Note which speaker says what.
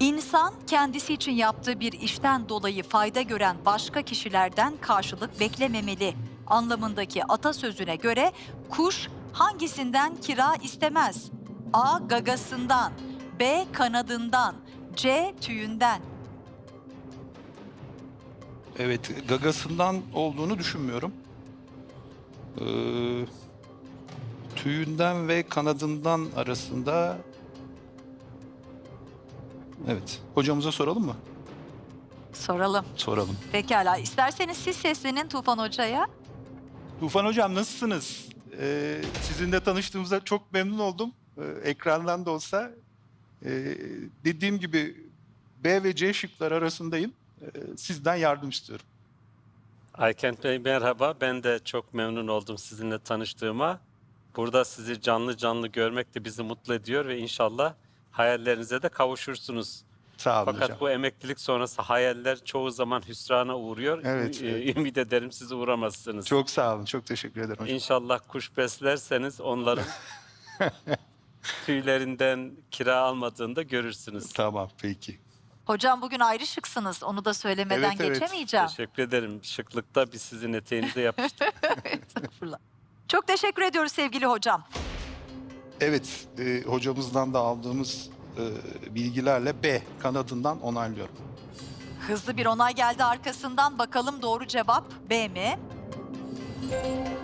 Speaker 1: İnsan kendisi için yaptığı bir işten dolayı fayda gören başka kişilerden karşılık beklememeli anlamındaki atasözüne göre kuş hangisinden kira istemez? A. Gagasından, B. Kanadından, C. Tüyünden.
Speaker 2: Evet, gagasından olduğunu düşünmüyorum. Tüyünden ve kanadından arasında... Evet, hocamıza soralım mı?
Speaker 1: Soralım.
Speaker 2: Soralım.
Speaker 1: Pekala. İsterseniz siz seslenin Tufan Hoca'ya.
Speaker 2: Tufan Hocam nasılsınız? Sizinle tanıştığımıza çok memnun oldum. Ekrandan da olsa. Dediğim gibi B ve C şıkları arasındayım. Sizden yardım istiyorum.
Speaker 3: Aykent Bey merhaba. Ben de çok memnun oldum sizinle tanıştığıma. Burada sizi canlı canlı görmek de bizi mutlu ediyor ve inşallah hayallerinize de kavuşursunuz.
Speaker 2: Sağ olun
Speaker 3: Fakat
Speaker 2: hocam.
Speaker 3: bu emeklilik sonrası hayaller çoğu zaman hüsrana uğruyor.
Speaker 2: Evet, evet.
Speaker 3: Ümit ederim siz uğramazsınız.
Speaker 2: Çok sağ olun, çok teşekkür ederim hocam.
Speaker 3: İnşallah kuş beslerseniz onların tüylerinden kira almadığını da görürsünüz.
Speaker 2: Tamam, peki.
Speaker 1: Hocam bugün ayrı şıksınız. Onu da söylemeden
Speaker 2: Evet, evet.
Speaker 1: geçemeyeceğim.
Speaker 3: Teşekkür ederim. Şıklıkta biz sizin eteğinize yapıştık.
Speaker 1: Estağfurullah. Çok teşekkür ediyoruz sevgili hocam.
Speaker 2: Evet, hocamızdan da aldığımız bilgilerle B kanadından onaylıyorum.
Speaker 1: Hızlı bir onay geldi arkasından. Bakalım doğru cevap B mi?